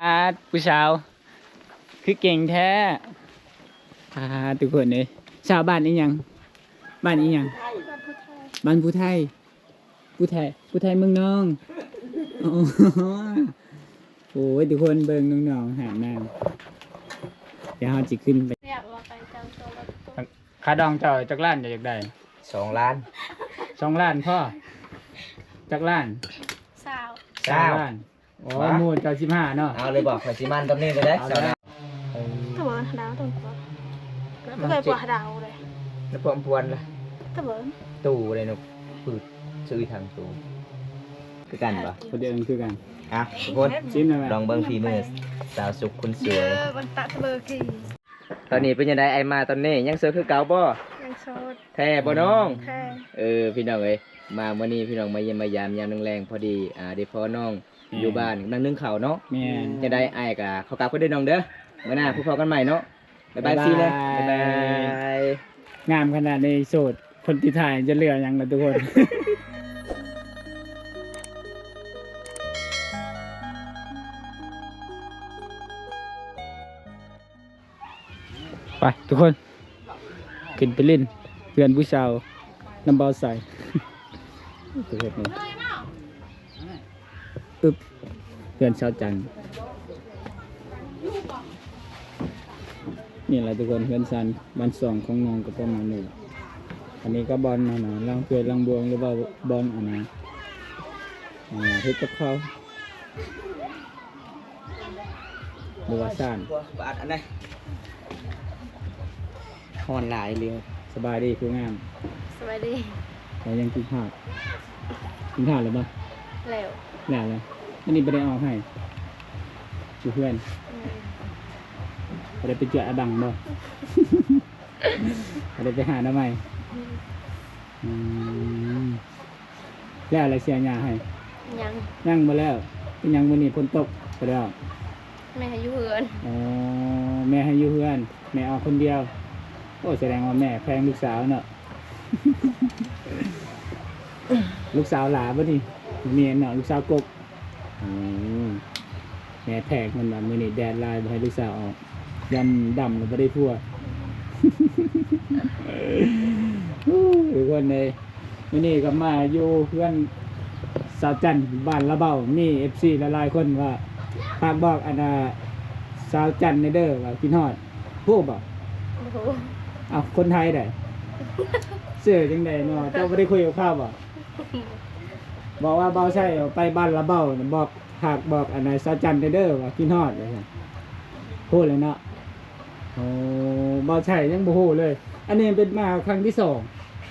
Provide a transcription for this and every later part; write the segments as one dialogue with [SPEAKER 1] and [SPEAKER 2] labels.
[SPEAKER 1] ผู้สาวคือเก่งแท้ทุกคนเลยชาวบ้านนี้ยังบ้านนี้ยังบ้านผู้ไทยผู้ไทยเมืองน้องโอ้ยทุกคนเบิ่งน้องๆหาน้ำเดี๋ยวเราจะขึ้นไปค่าดองเจ้าจักล้านอยากได้
[SPEAKER 2] 2 ล้าน
[SPEAKER 1] 2 ล้านพ่อจักล้าน3 ล้านโอ้หมูเจ้า15เนาะ
[SPEAKER 2] เอาเลยบอกไฟซิมันตรงนี้ไปได้2 ล้าน
[SPEAKER 3] ถ้าเบอร์ดาวต้องไม่เคยปวดดาวเลย
[SPEAKER 2] แล้วพวกพวนล่ะ
[SPEAKER 3] ถ้าเบอร์
[SPEAKER 2] ตู้เลยนุกปืดซื้อทางตู้คือกันปะ
[SPEAKER 1] คนเดียวคือกัน
[SPEAKER 2] ทุกคน
[SPEAKER 1] ชิมหน่อย
[SPEAKER 2] ลองเบิ้งฝีมือสาวสุขคุณสวย
[SPEAKER 3] วันตะเบอร์กี่
[SPEAKER 2] ตอนนี้เป็นยังไงไอมาตอนนี้ยังเสือคือเก่าบ่
[SPEAKER 3] ยังโสด
[SPEAKER 2] แท้บ่น้อง
[SPEAKER 3] แท้
[SPEAKER 2] พี่น้องเอ้ยมาวันนี้พี่น้องมาเยี่ยมมายามยามแรงพอดีได้พ่อน้องอยู่บ้านนั่งนึ่งข้าวเนาะจะได้ไอ้กะเขากลับก็ได้น้องเด้อเมื่อหน้าพบกันใหม่เนาะบ๊ายบายซีเลยบ๊ายบาย
[SPEAKER 1] งามขนาดในโสดคนที่ถ่ายจะเหลือยังล่ะทุกคนไปทุกคนขึ้นไปเล่นเพื่อนผู้สาวน้ำเบาใส่ตัวเล็กนี่เพื่อนชาวจันนี่แหละทุกคนเพื่อนซันบ้านสองของน้องก็ประมาณนี้อันนี้ก็บอลนะลังเพื่อนลังบวงหรือว่าบอลอันนะเฮ็ดกับเขาหรือว่าซ่าน
[SPEAKER 2] บาดอันไหนฮอนหลายเรียว
[SPEAKER 1] สบายดีคืองาม
[SPEAKER 3] สบายดี
[SPEAKER 1] แต่ยังกินข้าวหรือเปล่าแล้วเลยอันนี้ไม่ได้เอาให้อยู่เพื่อนได้ไปเจออาบังบ่ได้ไปหาหน้าใหม่แล้วอะไรเสียหญ้าให้ยังมาแล้วยังวันนี้ฝนตกไปแล้ว
[SPEAKER 3] แม่ให้อยู่เพื่อน
[SPEAKER 1] แม่ให้อยู่เพื่อนแม่เอาคนเดียวโอ้แสดงว่าแม่แพงลูกสาวเนาะลูกสาวหลาบ่นี่เมียเนาะลูกสาวกบแม่แพงมันแบบมือนี่แดดลายบ่ให้ลูกสาวออกยันดำแล้วบ่ได้ทั่วทุกคนเลยมื้อนี้ก็มาอยู่เพื่อนสาวจันบ้านละเบ้านี่ FC หลายๆคนว่าฝากบอกอันสาวจันในเด้อว่ากินฮอดฮู้บ่เอาคนไทยได้เสื้อจังได๋เนาะเจ้าบ่ได้คุยกับข้าวบ่บอกว่าเบาใช่ไปบ้านละเบ้าบอกหากบอกอันไหนสาวจันเด้อว่ากินฮอดเลยพูดเลยเนาะโอ้เบาใช่ยังบ่ฮู้เลยอันนี้เป็นมาครั้งที่2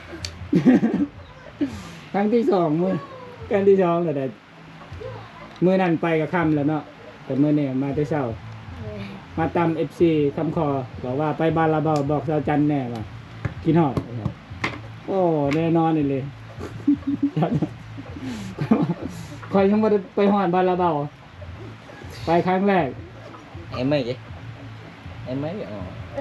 [SPEAKER 1] ครั้งที่2มื้อครั้งที่2แล้วได้มื้อนั้นไปกับค่ำแล้วเนาะแต่มื้อนี้มาแต่เช้ามาตาม FC คำคอบอกว่าไปบ้านละเบ้าบอกสาวจันแน่ว่ากินฮอดโอ้แน่นอนเลยคอยยังไม่ได้ไปหอดบ้านละเบาไปครั้งแรก
[SPEAKER 2] em mấy vậy em mấy vậy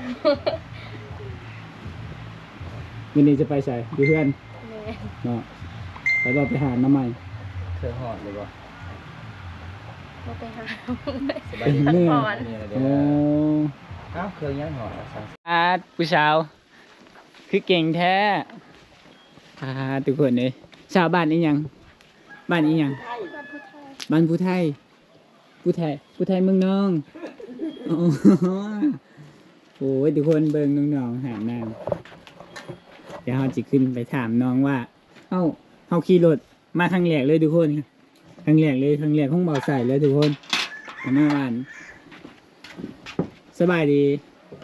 [SPEAKER 1] วันนี้จะไปใส่ดูเพื่อนเนาะไปเราไปหาน้ำใหม่
[SPEAKER 2] เคยหอดเลยบ่
[SPEAKER 3] ไปหา
[SPEAKER 1] ไปเมื่อโอ้
[SPEAKER 2] เคยยังหอด
[SPEAKER 1] ผู้สาวคือเก่งแท้ทุกคนเลยชาวบ้านนี้ยังบ้านนี้ยังบ้านผู้ไทยเมืองน้องโอ้ยทุกคนเบิ่งน้องๆหาน้ำเดี๋ยวเราจะขึ้นไปถามน้องว่าเฮาขี่รถมาครั้งแรกเลยทุกคนครั้งแรกของเบาใส่เลยทุกคนหน้าบ้านสบายดี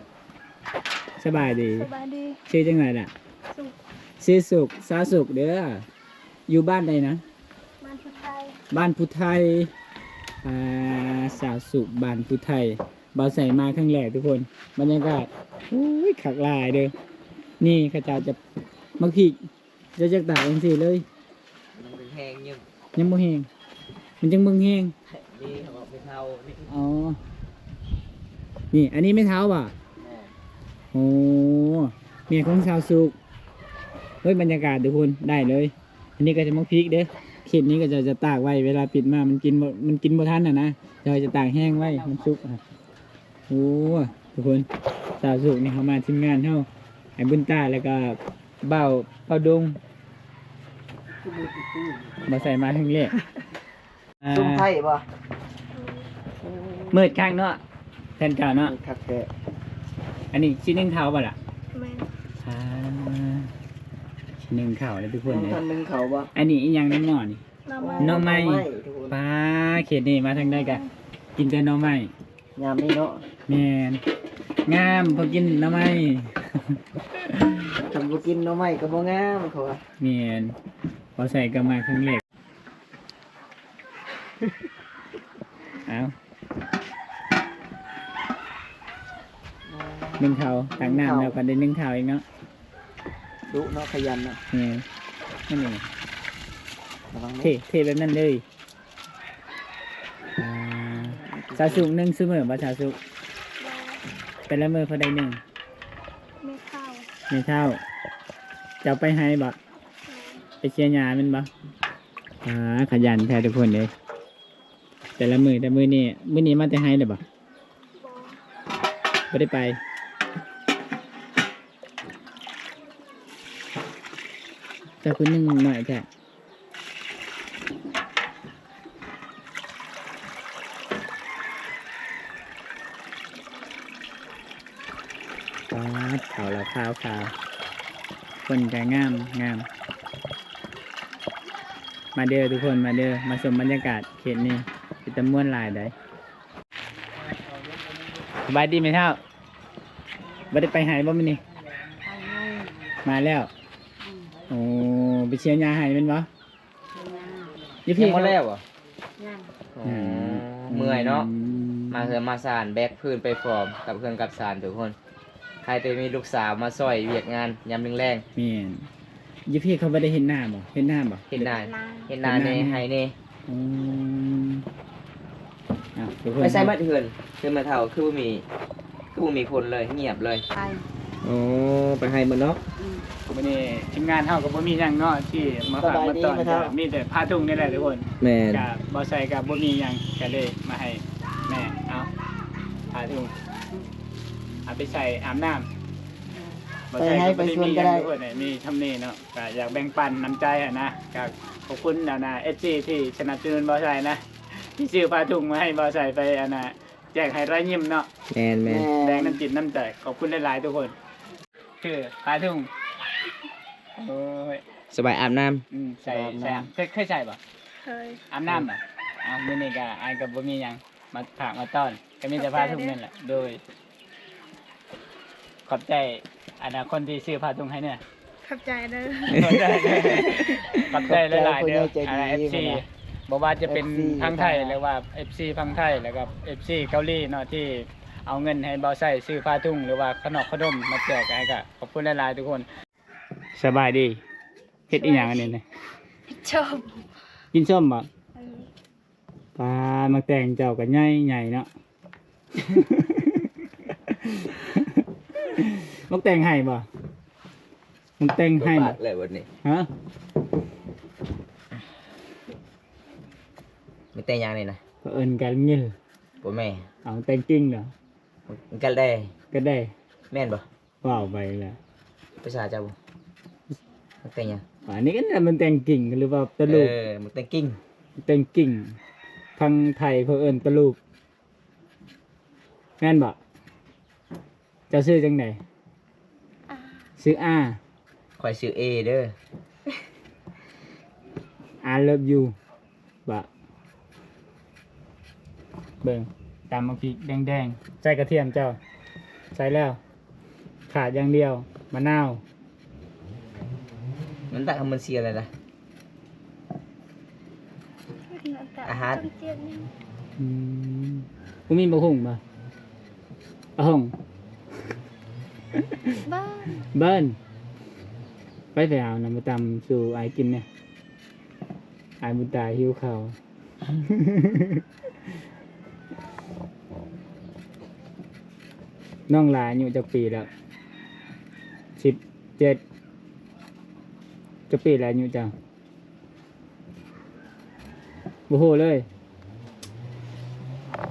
[SPEAKER 1] ชื่อจังไงล่ะชื่อสุขสาสุขเด้ออยู่บ้านใดนะบ้านพุทไทยสาวสุขบ้านพุทไทยเบาใส่มาครั้งแรกทุกคนบรรยากาศขักลายเด้อนี่ข้าเจ้าจะมักผิกจะจักตาเองสิเลยยังบ่แห้งมันจังมึงแห้ง
[SPEAKER 2] นี่เขาบอกไม่เท่า
[SPEAKER 1] อ๋อนี่อันนี้ไม่เท้าป่ะโอ้เมียของสาวสุขเฮ้ยบรรยากาศทุกคนได้เลยอันนี้ก็จะมักพริกเด้อเขตนี้ก็จะตากไว้เวลาปิดมามันกินบ่ทันนะจะเราจะต่างแห้งไว้มันสุกอ่ะโอ้ทุกคนสาวสุกนี่เขามาทีมงานเฮาไอ้บุญตาแล้วก็เบ้าเป้าดงมาใส่มาทั้งเละอ่า
[SPEAKER 2] ซุ่มไผ่บ่
[SPEAKER 1] มืดข้างเนาะแทนเก่าเนาะ
[SPEAKER 2] คักแท้
[SPEAKER 1] อันนี้ชิ้นหนึ่งเท้าป่ะล่ะ
[SPEAKER 3] แม่น
[SPEAKER 1] อ่าชิ้นหนึ่งเข่าเลยทุกคนเลย
[SPEAKER 2] ท่านนึงเขาบ่
[SPEAKER 1] อันนี้อีกอย่างหนึงหน่อนี่
[SPEAKER 3] น้ำมัน
[SPEAKER 1] หน่อไม้ปลาเขตนี่มาทางได้กะกินแต่หน่อไม้
[SPEAKER 2] ยามนี้เนาะ
[SPEAKER 1] แมนงามพอกินหน่อไม้
[SPEAKER 2] ทำบ่กินหน่อไม้ก็บ่งามเขาว่า
[SPEAKER 1] แมนพอใส่ก็มาครั้งแรกเอานึ่งเท้าตักน้ำแล้วก็ได้นึ่งเท้าอีกเนาะ
[SPEAKER 2] ดุเนาะขยันเนาะ
[SPEAKER 1] นี่นั่นเอง
[SPEAKER 2] ระวัง
[SPEAKER 1] เทแบบนั้นเลยอ่าสาสุกหนึ่งซื้อมือบ่สาสุกเป็นละมือพอได้หนึ่ง
[SPEAKER 3] ไม่เข้า
[SPEAKER 1] ไม่เท่าจะเอาไปให้บ่ไปเชียร์ยาแมันบ่ขยันแท้ทุกคนเลยแต่ละมือนี่มาแต่ให้เลยบ่
[SPEAKER 3] บอ
[SPEAKER 1] ไม่ได้ไปจะคุณนึ่งหน่อยแท้ป๊าดขาวแล้วขาวคนจะงาม มาเด้อทุกคนมาเด้อมาชมบรรยากาศเขตนี้เป็นตะม่วนหลายได้สบายดีไหมเท่าไม่ได้ไปหายบ่มันนี่มาแล้วโอ้ไปเชียร์ยาหายเป็นบ่ยี่
[SPEAKER 2] ยั
[SPEAKER 1] พี่
[SPEAKER 2] งบ่แล้วบ่
[SPEAKER 1] อืม
[SPEAKER 2] เมื่อยเนาะมาเฮือมาสานแบกพื้นไปฟอร์มกับเพื่อนกับสานทุกคนใครจะมีลูกสาวมาซอยเวียกงานยามแรง
[SPEAKER 1] แม่นยี่พี่เขาไม่ได้เห็นหน้าบ่เห็นหน้าบ่
[SPEAKER 2] ๆเห็นหน้า
[SPEAKER 3] นา
[SPEAKER 2] เห็นหน้าในไห้นี่
[SPEAKER 1] อืมอ่ะทุกคน
[SPEAKER 2] ไม่ใช่มาเถื่อนคือมาเท่าคือบ่มีคนเลยเงียบเลย
[SPEAKER 3] ไป
[SPEAKER 2] อ๋อไปให้มันเนาะ
[SPEAKER 1] วันนี้ทีมงานเฮาก็บ่มีหยังเนาะที่มาฝากมาต้อน
[SPEAKER 2] สบายดีไหมครับ
[SPEAKER 1] มีแต่ผ้าทุ่งนี่แหละทุกคน
[SPEAKER 2] แม่น
[SPEAKER 1] กับบ่ใส่กับบ่มีหยังก็เลยมาให้แม่เอาผ้าทุ่งเอาไปใส่อาบน้ำบ่ใส่ก็บ่ได้มีหยังทุกคนเนี่ยมีทำนี่เนาะก็อยากแบ่งปันน้ำใจอะนะก็ขอบคุณนะ SG ที่สนับสนุนบ่ใส่นะที่ซื้อผ้าทุ่งมาให้บ่ใส่ไปอะนะแจกให้รายยิ้มเนาะ
[SPEAKER 2] แม่นแม่น
[SPEAKER 1] แดงน้ำจิตน้ำใจขอบคุณหลายๆทุกคนคือผ้าทุ่งโอ้ย
[SPEAKER 2] สบายอาบน้ำ
[SPEAKER 1] ใส่เคยใส่ป่ะ
[SPEAKER 3] เคย
[SPEAKER 1] อาบน้ำอ่ะเอามื้อนี้ก็อายกับบ่มีหยังมาฝากมาต้อนก็มีแต่ผ้าทุ่งนั่นแหละโดย ขอบใจคนที่ซื้อผ้าทุ่งให้เนี่ย
[SPEAKER 3] ขับใจเด้อ
[SPEAKER 1] ขอบใจหลายๆเด้อFC บอกว่าจะเป็นพังไทยหรือว่า FC พังไทยแล้วก็ FC เกาหลีเนาะที่เอาเงินให้เบาใส่ซื้อผ้าทุ่งหรือว่าขนมมาแจกให้ก็ขอบคุณหลายๆทุกคน สบายดีเฮ็ดอีหยังอันนี้เนี่ย
[SPEAKER 3] ชอบ
[SPEAKER 1] กินส้มบ่ปลามาแต่งเจ้ากันใหญ่เนาะ มักแต่งให้บ่มักแต่งให้บ่
[SPEAKER 2] เลยวันนี้
[SPEAKER 1] ฮะ
[SPEAKER 2] ไม่แต่งยังนี่นะ
[SPEAKER 1] ก็เอิ้นกันเงี้ย
[SPEAKER 2] บ่แม่
[SPEAKER 1] เอาแต่งจริงเหรอ
[SPEAKER 2] มันกันได้
[SPEAKER 1] ก็ได้
[SPEAKER 2] แม่นบ่
[SPEAKER 1] ว้าวไปแล้ว
[SPEAKER 2] ภาษาเจ้าบ่มันแต่งยัง
[SPEAKER 1] อันนี้ก็น่ะมันแต่งกิ่งหรือว่าตะลูก
[SPEAKER 2] มันแต่งกิ้ง
[SPEAKER 1] แต่งกิ่งพังไทยเพิ่นเอิ้นตะลูกแม่นบ่เจะซื้อจังได๋ซื้ออา
[SPEAKER 2] คอยซื้อ A เด้อ
[SPEAKER 1] I love you บะเบิ่งตามมาพริกแดงๆใส่กระเทียมเจ้า ใส่แล้ว ขาดอย่างเดียวมะนาว
[SPEAKER 2] มันตักมันเสียอะไรล่ะ อาหาร
[SPEAKER 1] กูมีบะหุ่งบ่บะหุ่ง
[SPEAKER 3] บ้าน
[SPEAKER 1] เบิ้นไปเอานำมาตำสู่ไอ้กินเนี่ยไอ้บุญตาหิวข้าว น้องหลานอยู่จักปีแล้ว17จักปีแล้วอยู่จังบ่ฮู้เลย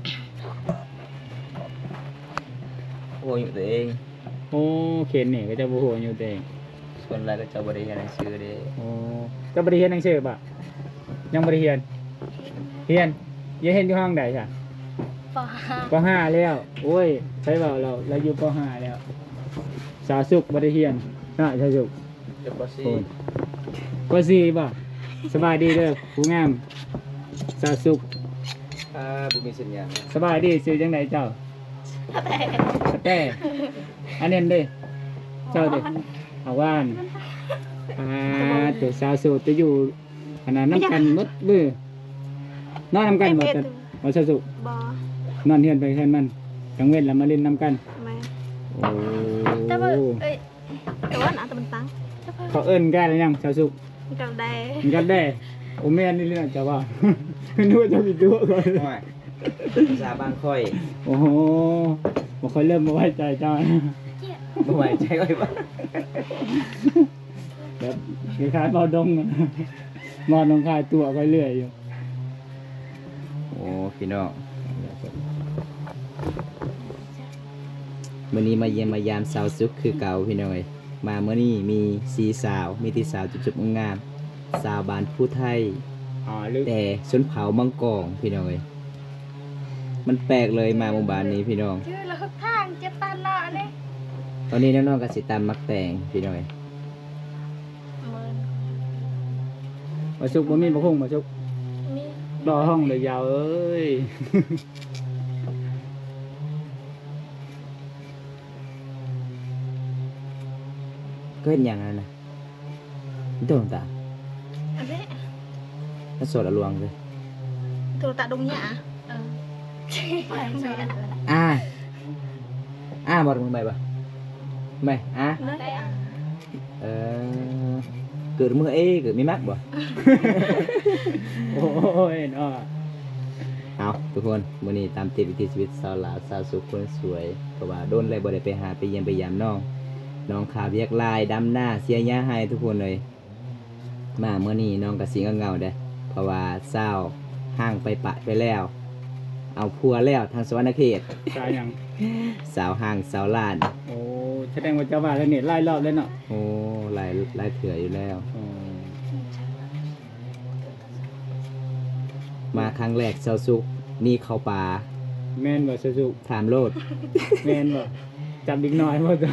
[SPEAKER 2] ฮู้อยู่ตัวเอง
[SPEAKER 1] โอ้เขียนนี่ก็จะบ่ฮู้อยู่ตัวเอง
[SPEAKER 2] ส่วนหลายก็จะบ่ได้เรียนหนังสือเด้
[SPEAKER 1] โอ้จะบ่ได้เรียนหนังสือป่ะยังบ่ได้เรียนเรียนยังเรียนอยู่ห้องใดจ้ะ
[SPEAKER 3] ปห้า
[SPEAKER 1] ป .5 แล้วโอ้ยใช่เปล่าเราอยู่ป .5 แล้วสาสุขบ่ได้เรียนน่ะสาสุข
[SPEAKER 2] เดี๋ยวบ่สิ
[SPEAKER 1] โอ้ยป .4 ป่ะสบายดีเด้อผู้งามสาสุข
[SPEAKER 2] บ่มีสัญญาณ
[SPEAKER 1] สบายดีซื้อจังไดเจ้า
[SPEAKER 3] แต่
[SPEAKER 1] สแต้อันนี้เด้เจ้าเด้เอาว่านตัวสาวโสดจะอยู่อันนั้นน้ำกันหมดมือนอนน้ำกันหมดบ่สาวสุข
[SPEAKER 3] บอน
[SPEAKER 1] อนเฮือนไปเฮือนมันกลางเว้นแล้วมาเล่นน้ำกัน
[SPEAKER 3] แม่
[SPEAKER 1] โอ้
[SPEAKER 3] แต่ว่าแต่ว่าหนาแต่มันตั้ง
[SPEAKER 1] เขาเอิ้นกันหรือยังสาวสุข
[SPEAKER 3] มันกับแดง
[SPEAKER 1] มันกันได้โอ้แม่นนี่เรื่องจะว่า นึกว่าจะมีตัวก่อน
[SPEAKER 2] โอ้ยภาษาบางค่อย
[SPEAKER 1] โอ้โหบ่ค่อยเริ่มบ่ไว้ใจเจ้า
[SPEAKER 2] บ่ไว้ใจค่อยบ่
[SPEAKER 1] แบบคล้ายๆเบาดง อะนอนลงคายตัวไปเรื่อยอยู่
[SPEAKER 2] โอ้พี่น้องมื้อนี้มาเยี่ยมมายามสาวสุขคือเก่าพี่น้องเอ้ยมามื้อนี้มี4สาวมีที่สาวจุบๆงามๆสาวบ้านผู้ไทย
[SPEAKER 1] อ๋อลึก
[SPEAKER 2] แต่ชนเผามังกรพี่น้องเอ้ยมันแปลกเลยมาหมู่บ้านนี้พี่น้อง
[SPEAKER 3] ชื่อเราทางเจ็บตาหน้าเนี่ย
[SPEAKER 2] ตอนนี้น้องๆก็สิตามมักแต่งพี่น้องเอ้ย
[SPEAKER 1] มาชุกบ่มีบ่คงมาชุก
[SPEAKER 3] มี
[SPEAKER 1] รอห้องเลยยาวเอ้ย
[SPEAKER 2] ก็เห็นอย่างนั้นนะนี่ตัวตา
[SPEAKER 3] อันนี้
[SPEAKER 2] ถ้าโสดอะลวงเลย
[SPEAKER 3] ตัวตาดงหยาไปแม่
[SPEAKER 2] บ่มึงไปบ่ไม่
[SPEAKER 3] นั่นแหละ
[SPEAKER 2] เออเกิดมือเกิดไม่มักบ่
[SPEAKER 1] โอ้ยเนาะ
[SPEAKER 2] เอาทุกคนมื้อนี้ตามติดวิถีชีวิตสาวลาวสาวสุขคนสวยเพราะว่าโดนเลยบ่ได้ไปหาไปเยี่ยมไปยามน้องขาเวียกลายดำหน้าเสียหญ้าให้ทุกคนเลยมามื้อนี้น้องก็สิเงาๆเด้อเพราะว่าเศร้าห่างไปปะไปแล้ว เอาพัวแล้วทางสวรรณเขต
[SPEAKER 1] ตายยัง
[SPEAKER 2] สาวห่างสาวลาน
[SPEAKER 1] โอ้แสดงว่าเจ้าว่าแล้วนี่ไล่รอบแล้วเนาะ
[SPEAKER 2] โอ้หลายเถื่ออยู่แล้ว
[SPEAKER 1] อ๋อ
[SPEAKER 2] มาครั้งแรกสาวสุขนี่เข้าป่า
[SPEAKER 1] แม่นบ่สุก
[SPEAKER 2] ถามโลด
[SPEAKER 1] แม่นบ่จับเด็กน้อยบ่ตอน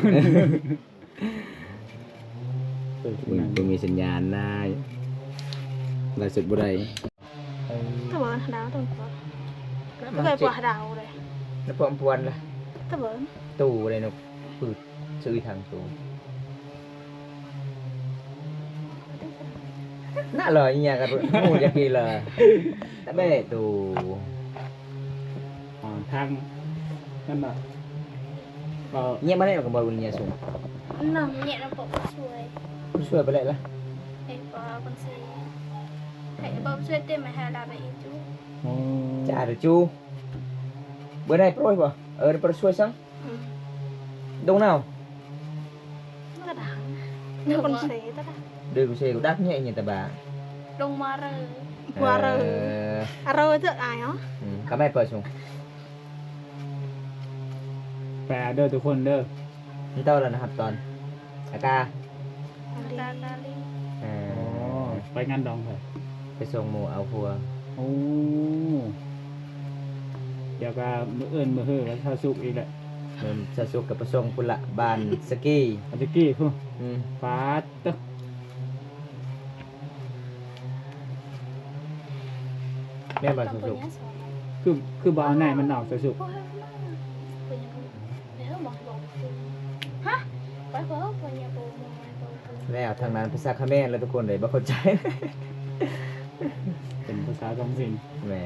[SPEAKER 2] มึงมีสัญญาณนะลายสุดบ่ได้
[SPEAKER 3] ถ้าบอกดาวต้องบอกก็เคยปวดดาวเลย
[SPEAKER 2] แล้วพอมพวนล่ะ
[SPEAKER 3] ถ้าบอก
[SPEAKER 2] ตู้อะไรนกปืดซื้อทางตู้น่าเลยอีหยังกันหมูจะกินเลยแต่ไม่ได้ตู้
[SPEAKER 1] อ๋อทางนั่นน่ะก็
[SPEAKER 2] เงี้ยมาได้กับบอลเงี้ยสูง
[SPEAKER 3] น้องเนี่ยเราบอกช่วย
[SPEAKER 2] ช่วยไปเลยละ
[SPEAKER 3] ไอ้ปอคนซีไอ้บอกช่วยเต็มมาหาดาวไปอีกจุ๊
[SPEAKER 1] โอ้
[SPEAKER 2] จ่าหรือจูเบอร์ได้โปรยป่ะได้โปรยช่วยซังดงnào
[SPEAKER 3] กระดังนี่คนเสียตะ
[SPEAKER 2] đưa của xe của đắt nhẹ nhìn tà bà
[SPEAKER 3] ลงมาเลยว่าเลยอะไรเจออะไรเนาะ
[SPEAKER 2] có mấy bờ xuống
[SPEAKER 1] แปลเด้อทุกคนเด้อ
[SPEAKER 2] นี่เต้าแล้วนะครับตอนอากา
[SPEAKER 3] ดาดาลี
[SPEAKER 1] อ๋อไปงานดองเหรอ
[SPEAKER 2] ไปส่งหมูเอาพัว
[SPEAKER 1] โอ้เดี๋ยวก็มื้อเอิ้นมื้อเฮ้อก็ถ้าสุกอีกแหละ
[SPEAKER 2] มันจะสุกกับไปส่งพุ่นละบานสกี
[SPEAKER 1] อันตะกี้พุ่น
[SPEAKER 2] อืม
[SPEAKER 1] ฟาดตึก
[SPEAKER 2] แม่บานสุก
[SPEAKER 1] คือบ่เอาไหนมันออกจะสุก
[SPEAKER 3] ฮะไปเพิ่มไปยังปู
[SPEAKER 2] ๆแล้วทางนั้นภาษาเขมรแล้วทุกคนเลยบ่เข้าใจ
[SPEAKER 1] เป็นภาษาท้องถิ่น
[SPEAKER 2] แหม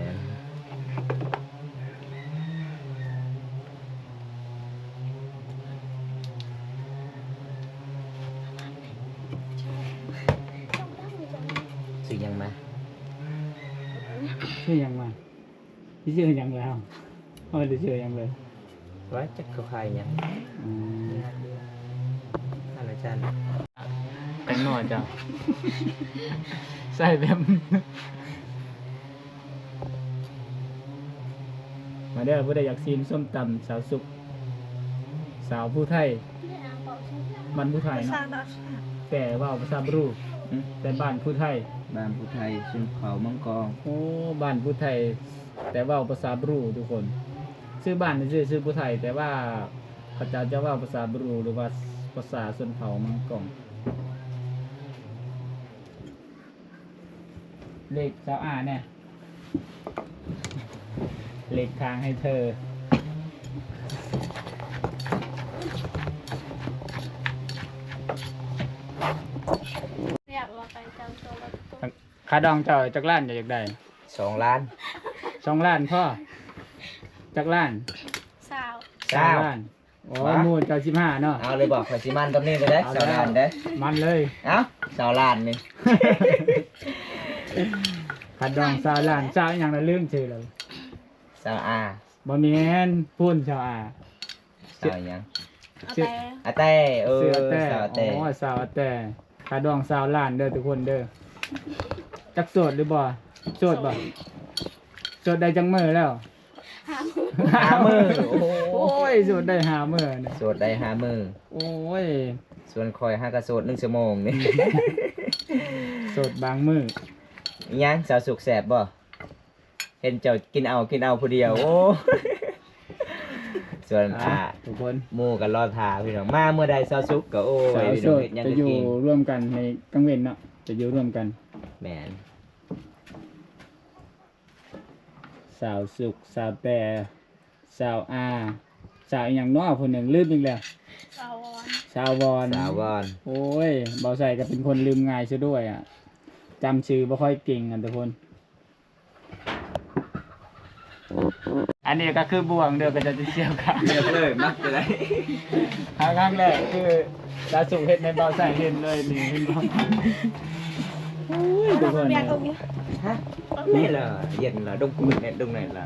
[SPEAKER 2] สื่อยังมา
[SPEAKER 1] ชื่อยังมาที่ชื่อยังแล้วเอาไปชื่อยังเลย
[SPEAKER 2] ไว้จักเขาใครยัง
[SPEAKER 1] อืม
[SPEAKER 2] อะไรจัน
[SPEAKER 1] แต่งหน่อยจ้ะ ใส่แบบมาเด้อผู้ใดอยากซีนส้มตำสาวสุกสาวผู้ไทยบ้านผู้ไทย
[SPEAKER 3] ภาษา
[SPEAKER 1] เนาะ
[SPEAKER 3] ดอช
[SPEAKER 1] แต่ว่าภาษาบรูแต่บ้านผู้ไทย
[SPEAKER 2] บ้านผู้ไทยชนเผ่ามังกร
[SPEAKER 1] โอ้บ้านผู้ไทย แต่ว่าภาษาบรูทุกคนชื่อบ้านนี่ชื่อผู้ไทย แต่ว่าพระเจ้าจะว่าภาษาบรูหรือว่าภาษาชนเผ่ามังกรเลขสาวอาเนี่ยเลขทางให้เธอ
[SPEAKER 3] อยากว่าไปจำตัวแล้วตัว
[SPEAKER 1] ค่าดองเจ้าจักล้านอยากได้
[SPEAKER 2] 2 ล้าน
[SPEAKER 1] 2 ล้านพ่อจักล้าน
[SPEAKER 3] สาว
[SPEAKER 1] ล้านโอ้
[SPEAKER 2] ว้า
[SPEAKER 1] มูลเจ้า15เนาะ
[SPEAKER 2] เอาเลยบอกข่อยสิมันตรงนี้เลยเด้
[SPEAKER 1] เอา
[SPEAKER 2] สาว
[SPEAKER 1] แล้ว
[SPEAKER 2] ล้านเด้
[SPEAKER 1] มันเลย
[SPEAKER 2] เอ้าสาวล้านนี่
[SPEAKER 1] ค่าดอง2 ล้านสาวอหย่างละลืมชื่อเลย
[SPEAKER 2] สาวอา
[SPEAKER 1] บ่แม่นพูนชาวอา
[SPEAKER 2] สาวหยัง
[SPEAKER 3] เอา
[SPEAKER 1] ชื่อ
[SPEAKER 3] แต่
[SPEAKER 2] อาเต้เออ
[SPEAKER 1] เสือแต่
[SPEAKER 2] สาวเต้
[SPEAKER 1] อ๋อสาวแต่ค่าดอง2 ล้านเด้อทุกคนเด้อจักโสดหรือบ่โสดบ่โสดได้จังมื้อแล้ว
[SPEAKER 3] หามือ
[SPEAKER 2] หามือโอ้โห
[SPEAKER 1] โอ้ยโสดได้5มื้อเนี่ย
[SPEAKER 2] โสดได้5มือ
[SPEAKER 1] โอ้ย
[SPEAKER 2] ส่วนคอย5กระโสด1ชั่วโมงนี่
[SPEAKER 1] โสดบางมื้อ
[SPEAKER 2] อิหยังสาวสุกแสบบ่เห็นเจ้ากินเอาผู้เดียวโอ้ ส่วน
[SPEAKER 1] ทุกคน
[SPEAKER 2] หมู่กันรอทาพี่น้องมาเมื่อใดสาวสุกก็โอ้
[SPEAKER 1] สา
[SPEAKER 2] ยว พี่
[SPEAKER 1] โส
[SPEAKER 2] น้อง
[SPEAKER 1] ด
[SPEAKER 2] เฮ็ดหยัง
[SPEAKER 1] จะ
[SPEAKER 2] ก็
[SPEAKER 1] อยู่
[SPEAKER 2] กิน
[SPEAKER 1] ร่วมกันในกลางเว้นเนาะจะอยู่ร่วมกัน
[SPEAKER 2] แม่น
[SPEAKER 1] สาวสุขสาวแต่สาวอาสาวอหย่างน้อคนหนึ่งลืมอีกแล้ว
[SPEAKER 3] สาวอน
[SPEAKER 1] สาววอน
[SPEAKER 2] สาววอน
[SPEAKER 1] โอ้ยเบาใส่ก็เป็นคนลืมง่ายซะด้วยอ่ะจำชื่อไม่ค่อยเก่งกันทุกคน อันนี้ก็คือบวงเดียวก็จะเชี่ยวกัน
[SPEAKER 2] เลือกเลยมักจะได้
[SPEAKER 1] ครั้งแรกคือสาวสุขเห็ดในเบาใส่เห็นเลยนี่เห็นบ่โอ้ยทุกคน
[SPEAKER 3] เรียกตรงนี้
[SPEAKER 2] ฮะนี่ล่ะเย็นล่ะดงกุ่นเนี่ยดงไหนล่ะ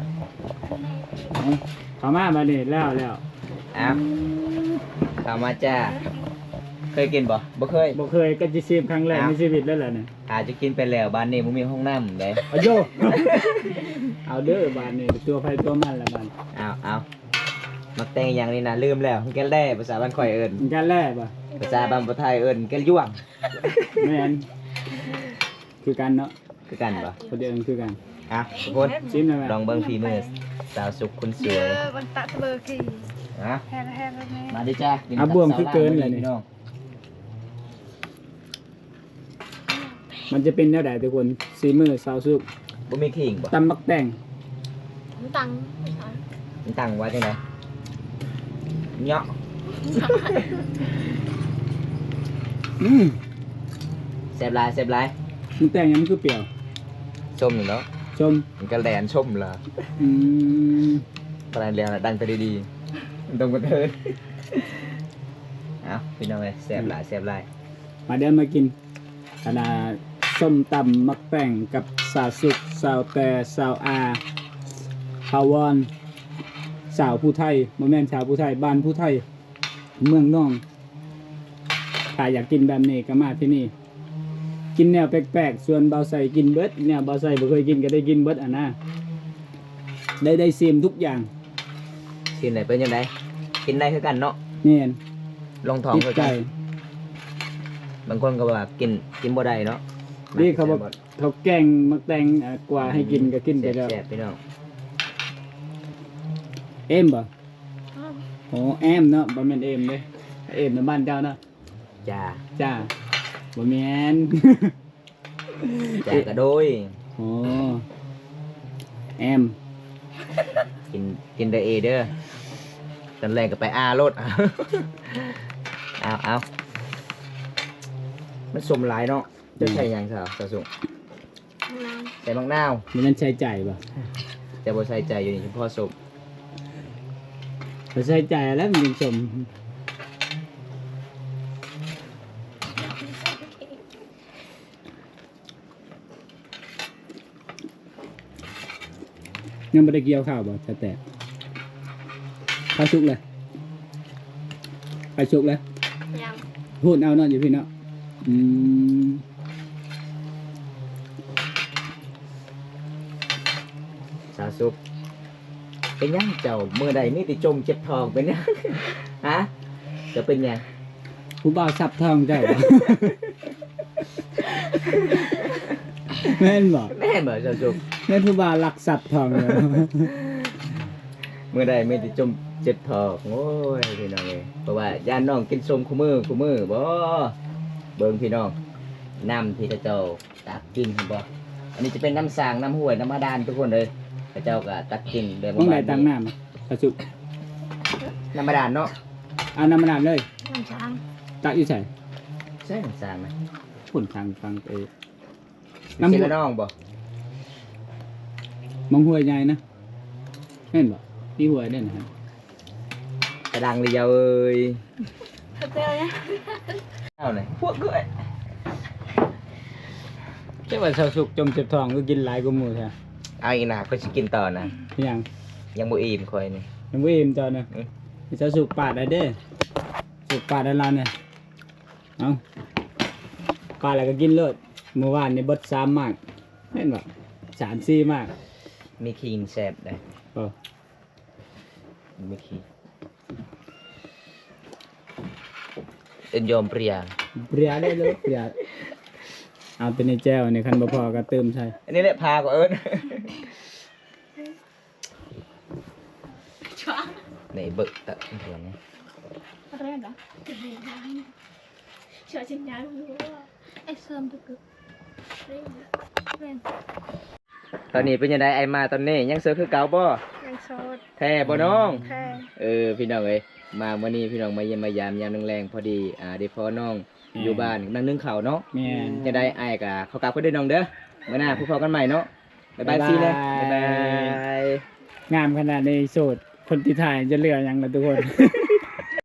[SPEAKER 1] เขามาบัดนี้แล้ว
[SPEAKER 2] อ้าวเข้ามาจ้าเคยกินบ่บ่เคย
[SPEAKER 1] บ่เคยก็จะชิมครั้งแรกในชีวิตแล้วแหละเนี่ย
[SPEAKER 2] อาจจะกินไปแล้วบ้านนี้บ่มีห้องน้ำเด้
[SPEAKER 1] เอาโย เอาเด้อบานนี่ตัวไฟตัวมันละบาน
[SPEAKER 2] เอามักแต่งอย่างนี้นะลืมแล้วแกแล่ภาษาบ้านข่อยเอิ้น
[SPEAKER 1] มันการแรกป่ะ
[SPEAKER 2] ภาษาบ้านบ่ไทยเอิ้นแกย่วง
[SPEAKER 1] แม่นคือกันเนาะ
[SPEAKER 2] คือกันบ่
[SPEAKER 1] คนเดียวกันคือกัน
[SPEAKER 2] ทุกคน
[SPEAKER 1] ชิมได้ไหม
[SPEAKER 2] ลองเบิ่งฝีมือสาวสุขคนส
[SPEAKER 3] เย
[SPEAKER 2] วย
[SPEAKER 3] อะวันตะเบอร์กี่
[SPEAKER 2] ฮะ
[SPEAKER 3] แฮร์แบบนี้
[SPEAKER 2] มาดิจ้า
[SPEAKER 1] อ่ะบวมคือเกินเลยนี่
[SPEAKER 2] พี่น้อง
[SPEAKER 1] มันจะเป็นแนวใดทุกคนซีมือสาวสุก
[SPEAKER 2] บ่มีขิงบ่
[SPEAKER 1] ตำมักแต่ง
[SPEAKER 3] ตัง
[SPEAKER 2] มันตั้งไว้จังได๋เนาะ แซ่บหลาย
[SPEAKER 1] มันแต่งยังมันคือเปรี้ยว
[SPEAKER 2] ส้มอยู่เนาะ
[SPEAKER 1] ชม
[SPEAKER 2] มันก็แลนชมล่ะ
[SPEAKER 1] อืม
[SPEAKER 2] ปลายแลนดังไปดีๆมันตรงกันเถิดเอาพี่น้องเอ้ยแซ่บหลาย
[SPEAKER 1] มาเดินมากินขนาดส้มตำมักแต่งกับสาวสุกสาวแต่สาวอาพาวอนสาวผู้ไทยบ่แม่นสาวผู้ไทยบ้านผู้ไทย เมืองน่อง ถ้าอยากกินแบบนี้ก็มาที่นี่ กินแนวแปลกๆ ส่วนเบาใส่กินเบิดเนี่ยเบาใส่บ่เคยกินก็ได้กินเบิดอ่ะนะได้ซิมทุกอย่าง
[SPEAKER 2] กินไหนเป็นยังไงกินได้คือกันเนาะ
[SPEAKER 1] แม่น
[SPEAKER 2] ลงท้อง
[SPEAKER 1] ติด
[SPEAKER 2] คือ
[SPEAKER 1] ใจ
[SPEAKER 2] กันบางคนก็ว่ากินบ่ได้เนาะ
[SPEAKER 1] นี่เขาบอกเขาแกงมักแต่งกว่าให้กินก็กินไปแล้ว
[SPEAKER 2] แซ่บๆพี่น้อง
[SPEAKER 1] เอ็มบ่โอ้แอมเนาะบ่แม่นเอ็มเด้เอ็มในบ้านเจ้าเนาะ
[SPEAKER 2] จ้า
[SPEAKER 1] จ้าบ่แม่น
[SPEAKER 2] จ้ากระโดย
[SPEAKER 1] โอ้แอม
[SPEAKER 2] กินได้เอเด้อตอนแรกก็ไปอาโลด เอามันสมหลายเนาะจะใส่หยังสาวสาวสุงใส่มะนาว
[SPEAKER 1] มันนั่นใช้จ่ายบ่
[SPEAKER 2] แต่บ่ใส่ใจอยู่นี่เฉพาะสม
[SPEAKER 1] บ่ใช้จ่ายแล้วมันยังชมยังบ่ได้เกี่ยวข้าวบ่แต่ข้าวสุกเลยข้าวสุกเลย
[SPEAKER 3] ยัง
[SPEAKER 1] พูดเอาเนาะอยู่พี่เนาะอืม
[SPEAKER 2] สาวสุกเป็นหยังเจ้ามื้อใดมีแต่จมเจ็บท้องเป็นหยัง ฮะจะเป็นหยัง
[SPEAKER 1] ผู้บ่าวสับทองเจ้า แม่นบ่
[SPEAKER 2] แม่นบ่เจ้าจุก
[SPEAKER 1] แม่นผู้บ่าวลักสับทองเลย
[SPEAKER 2] มื้อใดมีแต่จมเจ็บท้องโอ้ยพี่น้องเอ้ยเพราะว่าย่านน้องกินส้มคู่มือบ่เบิ่งพี่น้องน้ำที่เจ้าตักกินเห็นบ่อันนี้จะเป็นน้ำสร้างน้ำห้วยน้ำบาดาลทุกคนเลยเจ้าก็ตักกินแบบ
[SPEAKER 1] มึงได้ตังน้ำกระสุก
[SPEAKER 2] น้ำบาดาลเนาะ
[SPEAKER 1] เอาน้ำมันน้ำเลย
[SPEAKER 3] น้ำช้าง
[SPEAKER 1] ตักอยู่ใส่
[SPEAKER 2] ใช่น้ำสร้างนะ
[SPEAKER 1] ผลทางฟังเอ
[SPEAKER 2] น้ำ
[SPEAKER 1] น้ำ
[SPEAKER 2] เช
[SPEAKER 1] หัว
[SPEAKER 2] ลน้องบ่
[SPEAKER 1] มองหัวใหญ่นะแม่นบ่มีหัวเด่นนะครับ
[SPEAKER 2] กระดังเรียวเอ้ย
[SPEAKER 3] เจ้าเนี่ย
[SPEAKER 2] เอาหน่อยพวกเอ้ย
[SPEAKER 1] เจ้าว่าสาวสุกจมเจ็บท้องก็กินหลายกว่าหมู่แท้
[SPEAKER 2] เอาอีกนะก็สิกินต่อนะ
[SPEAKER 1] ยัง
[SPEAKER 2] ยังบ่อิ่มคอยนี่
[SPEAKER 1] ยังบ่อิ่มจ้านะสาวสุกปาดได้เด้สุกปาดได้แล้วเนี่ยเอาปาดแล้วก็กินเลยเมื่อวานนี่เบิด3มากแม่นบ่3-4มาก
[SPEAKER 2] มีคีนแซ่บได้
[SPEAKER 1] เออ
[SPEAKER 2] มีคีนเอ็นยอมเปรีย
[SPEAKER 1] เปรียได้เลยเปรียเอาเป็นในแจ้วในคันบ่พอก็เติมใส่
[SPEAKER 2] อันนี้แหละพาก็เอิ้นนี่เบิกตะเห็นไหม
[SPEAKER 3] อะไรนะเชื่อจริงจังรู้ว่าไอ้เสริมตึกเร่งเร่ง
[SPEAKER 2] ตอนนี้เป็นยังไงไอ้มาตอนนี้ยังเสือคือเก่าบ่
[SPEAKER 3] ยังโสด
[SPEAKER 2] แท้บ่น้อง
[SPEAKER 3] แค่
[SPEAKER 2] พี่น้องเอ้ยมามื้อนี้พี่น้องมาเยี่ยมมายามยามแรงๆพอดีได้พ่อน้องอยู่บ้านนั่งนึ่งข้าวเนาะ
[SPEAKER 1] แม่น
[SPEAKER 2] จะได้อ้ายก็เขากลับเพิ่นเด้อน้องเด้อมื้อหน้าพบกันใหม่เนาะบ๊ายบายซีเลยบ๊ายบาย
[SPEAKER 1] งามขนาดในโสดคนที่ถ่ายจะเหลือหยังล่ะทุกคน